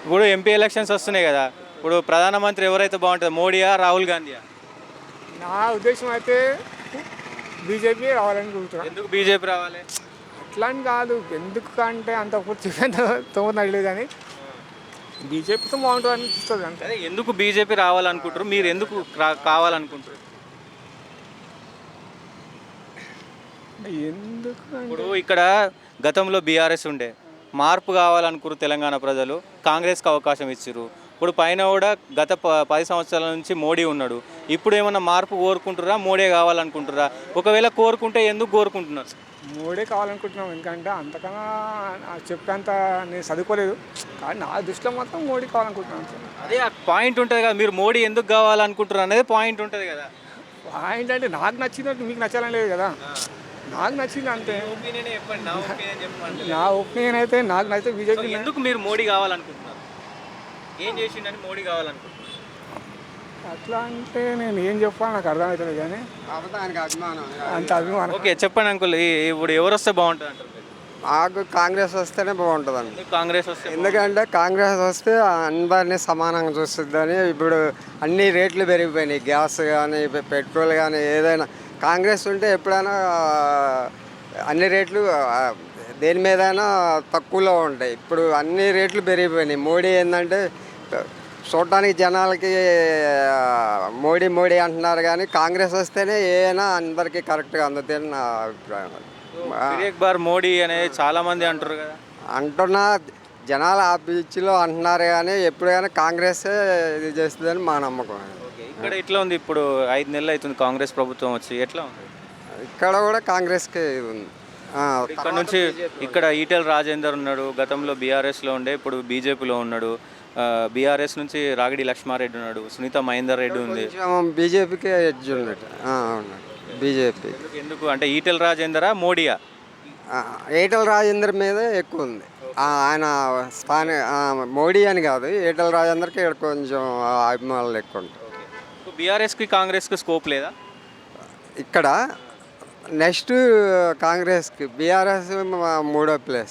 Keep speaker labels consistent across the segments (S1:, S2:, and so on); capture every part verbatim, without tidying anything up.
S1: ఇప్పుడు MP elections వస్తున్నాయి కదా, ఇప్పుడు ప్రధానమంత్రి ఎవరైతే బాగుంటుంది, మోడీయా రాహుల్ గాంధీయా?
S2: నా ఉద్దేశం అయితే బీజేపీ రావాలని కోరుతున్నాను.
S1: ఎందుకు బీజేపీ రావాలి?
S2: అట్లా అని కాదు, ఎందుకు అంటే అంత పూర్తి తోనలేదు కానీ బీజేపీతో బాగుంటుంది అనిపిస్తుంది అంతే.
S1: అదే ఎందుకు బీజేపీ రావాలనుకుంటారు, మీరు ఎందుకు రా- కావాలనుకుంటారు?
S2: ఎందుకు
S1: ఇప్పుడు ఇక్కడ గతంలో బీఆర్ఎస్ ఉండే, మార్పు కావాలనుకురు తెలంగాణ ప్రజలు, కాంగ్రెస్కి అవకాశం ఇచ్చారు. ఇప్పుడు పైన కూడా గత ప పది సంవత్సరాల నుంచి మోడీ ఉన్నాడు. ఇప్పుడు ఏమన్నా మార్పు కోరుకుంటురా, మోడీ కావాలనుకుంటురా? ఒకవేళ కోరుకుంటే ఎందుకు కోరుకుంటున్నారు?
S2: మోడీ కావాలనుకుంటున్నాం, ఎందుకంటే అంతకన్నా చెప్పేంత నేను చదువుకోలేదు, కానీ నా దృష్టిలో మాత్రం మోడీ కావాలనుకుంటున్నాను అంతే.
S1: అదే ఆ పాయింట్ ఉంటుంది కదా, మీరు మోడీ ఎందుకు కావాలనుకుంటారు అనేది పాయింట్ ఉంటుంది కదా.
S2: పాయింట్ అంటే నాకు నచ్చినట్టు మీకు నచ్చాలని లేదు కదా, నాకు నచ్చింది అంతే.
S1: ఒపీనియన్ చెప్పండి, నా ఒపీనియన్ చెప్పండి.
S2: నా ఒపీనియన్ అయితే నాకు నచ్చితే బీజేపీ.
S1: ఎందుకు మీరు మోడీ కావాలనుకుంటున్నారు? ఏం చేసిండని మోడీ కావాలనుకుంటున్నారు?
S2: అట్లా అంటే నేను ఏం చెప్పాలి నాకు అర్థమవుతుంది కానీ అంత అభిమానం.
S1: ఓకే చెప్పండి అంకుల్, ఇప్పుడు ఎవరు వస్తే బాగుంటుంది అంటారు మీరు?
S3: మాకు కాంగ్రెస్ వస్తేనే బాగుంటుందండి.
S1: ఎందుకు కాంగ్రెస్ వస్తే?
S3: ఎందుకంటే కాంగ్రెస్ వస్తే అందరినీ సమానంగా చూస్తుందని. ఇప్పుడు అన్ని రేట్లు పెరిగిపోయినాయి, గ్యాస్ కానీ పెట్రోల్ కానీ ఏదైనా. కాంగ్రెస్ ఉంటే ఎప్పుడైనా అన్ని రేట్లు దేని మీదైనా తక్కువలో ఉంటాయి. ఇప్పుడు అన్ని రేట్లు పెరిగిపోయినాయి. మోడీ ఏంటంటే చూడటానికి జనాలకి మోడీ మోడీ అంటున్నారు, కానీ కాంగ్రెస్ వస్తేనే ఏదైనా అందరికీ కరెక్ట్గా అందుతుందని నా అభిప్రాయం.
S1: ఏక్ బార్ మోడీ అనేది చాలా మంది అంటారు కదా.
S3: అంటున్నా జనాలు ఆ పిచ్చిలో అంటున్నారు, కానీ ఎప్పుడైనా కాంగ్రెసే ఇది చేస్తుందని మా నమ్మకం.
S1: ఇక్కడ ఎట్లా ఉంది? ఇప్పుడు ఐదు నెలలు అవుతుంది కాంగ్రెస్ ప్రభుత్వం వచ్చి, ఎట్లా ఉంది?
S3: ఇక్కడ కూడా కాంగ్రెస్కే ఇది ఉంది.
S1: ఇక్కడ నుంచి ఇక్కడ ఈటెల రాజేందర్ ఉన్నాడు, గతంలో బీఆర్ఎస్లో ఉండే, ఇప్పుడు బీజేపీలో ఉన్నాడు. బీఆర్ఎస్ నుంచి రాగిడి లక్ష్మారెడ్డి ఉన్నాడు, సునీత మహేందర్ రెడ్డి ఉంది.
S3: బీజేపీకే ఎడ్జ్ ఉన్నట్టు. అవును, బీజేపీ.
S1: ఎందుకు అంటే ఈటెల రాజేందరా మోడీయా?
S3: ఈటెల రాజేందర్ మీదే ఎక్కువ ఉంది. ఆయన స్థాని మోడీ అని కాదు, ఈటెల రాజేందర్కి ఇక్కడ కొంచెం అభిమానులు ఎక్కువ ఉంటాయి.
S1: బీఆర్ఎస్కి కాంగ్రెస్కి స్కోప్ లేదా
S3: ఇక్కడ? నెక్స్ట్ కాంగ్రెస్కి, బీఆర్ఎస్ మూడో ప్లేస్.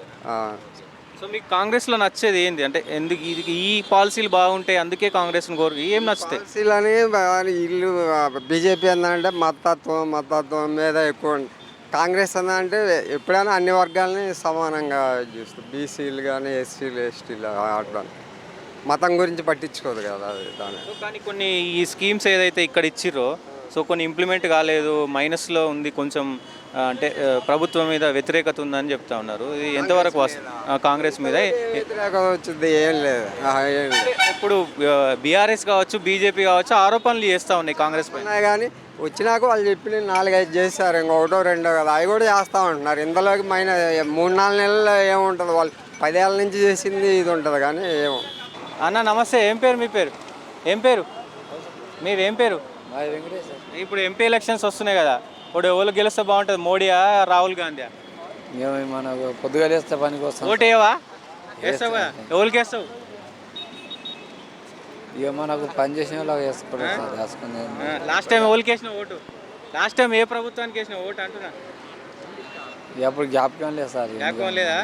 S1: సో మీకు కాంగ్రెస్లో నచ్చేది ఏంది? అంటే ఎందుకు ఇది ఈ పాలసీలు బాగుంటాయి అందుకే కాంగ్రెస్ని కోరు, ఏం నచ్చుతాయి?
S3: పాలసీలని ఇల్లు బీజేపీ ఏంటంటే మతత్వం మతత్వం మీద ఎక్కువ. కాంగ్రెస్ ఏంటంటే ఎప్పుడైనా అన్ని వర్గాలని సమానంగా చూస్తుంది. బీసీలు కానీ ఎస్సీలు ఎస్టీలు అట్లా మతం గురించి పట్టించుకోదు కదా అది దాని.
S1: కానీ కొన్ని ఈ స్కీమ్స్ ఏదైతే ఇక్కడ ఇచ్చిర్రో, సో కొన్ని ఇంప్లిమెంట్ కాలేదు, మైనస్లో ఉంది కొంచెం, అంటే ప్రభుత్వం మీద వ్యతిరేకత ఉందని చెప్తా ఉన్నారు. ఇది ఎంతవరకు వస్తుంది కాంగ్రెస్ మీద?
S3: వ్యతిరేకత వచ్చింది ఏం లేదు, ఏం లేదు.
S1: ఇప్పుడు బీఆర్ఎస్ కావచ్చు, బీజేపీ కావచ్చు, ఆరోపణలు చేస్తూ ఉన్నాయి కాంగ్రెస్ పైన.
S3: కానీ వచ్చినాక వాళ్ళు చెప్పిన నాలుగైదు చేస్తారు, ఇంకొకటో రెండో కదా, అవి కూడా చేస్తూ ఉంటున్నారు. ఇందులోకి మైన మూడు నాలుగు నెలల్లో ఏముంటుంది, వాళ్ళు పదేళ్ళ నుంచి చేసింది ఇది ఉంటుంది కానీ ఏమో.
S1: అన్న నమస్తే, ఏం పేరు మీ పేరు? ఏం పేరు మీరు? ఏం పేరు? ఇప్పుడు ఎంపీ ఎలక్షన్స్ వస్తున్నాయి కదా, ఇప్పుడు ఎవరు గెలిస్తే బాగుంటుంది, మోడీయా రాహుల్ గాంధీయా?
S4: మనకు పొద్దుగా వేస్తే పనికి వస్తాం.
S1: ఓటు వేయవా? వేస్తావు కదా, ఎవరికి వేస్తావు?
S4: ఇక మనకు పని చేసిన వాళ్ళకి వేసుకుంటాం.
S1: లాస్ట్ టైం ఎవరికి వేసిన ఓటు? లాస్ట్ టైం ఏ ప్రభుత్వానికి వేసిన ఓటు అంటున్నా?
S4: ఎప్పుడు జ్ఞాపకం లేదు సార్.
S1: జ్ఞాపకం లేదా?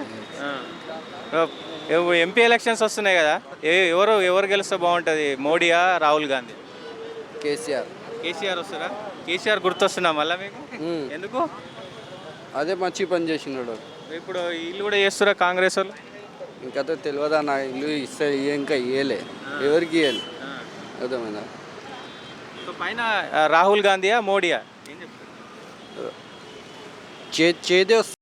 S1: ఎంపీ ఎలక్షన్స్ వస్తున్నాయి కదా, ఏ ఎవరు ఎవరు గెలిస్తే బాగుంటుంది, మోడీయా రాహుల్ గాంధీ?
S3: కేసీఆర్.
S1: కేసీఆర్ వస్తారా? కేసీఆర్ గుర్తొస్తున్నా మళ్ళీ మీకు? ఎందుకు?
S3: అదే మంచి పని చేసినాడు.
S1: ఇప్పుడు ఇల్లు కూడా చేస్తారా కాంగ్రెస్ వాళ్ళు?
S3: ఇంకా తెలియదా, నా ఇల్లు ఇస్తే ఇంకా ఇయ్యలే, ఎవరికి ఇయ్యాలి అర్థమైందా?
S1: సో పైన రాహుల్ గాంధీయా మోడీయా ఏం చెప్తారు?
S3: చే చేదే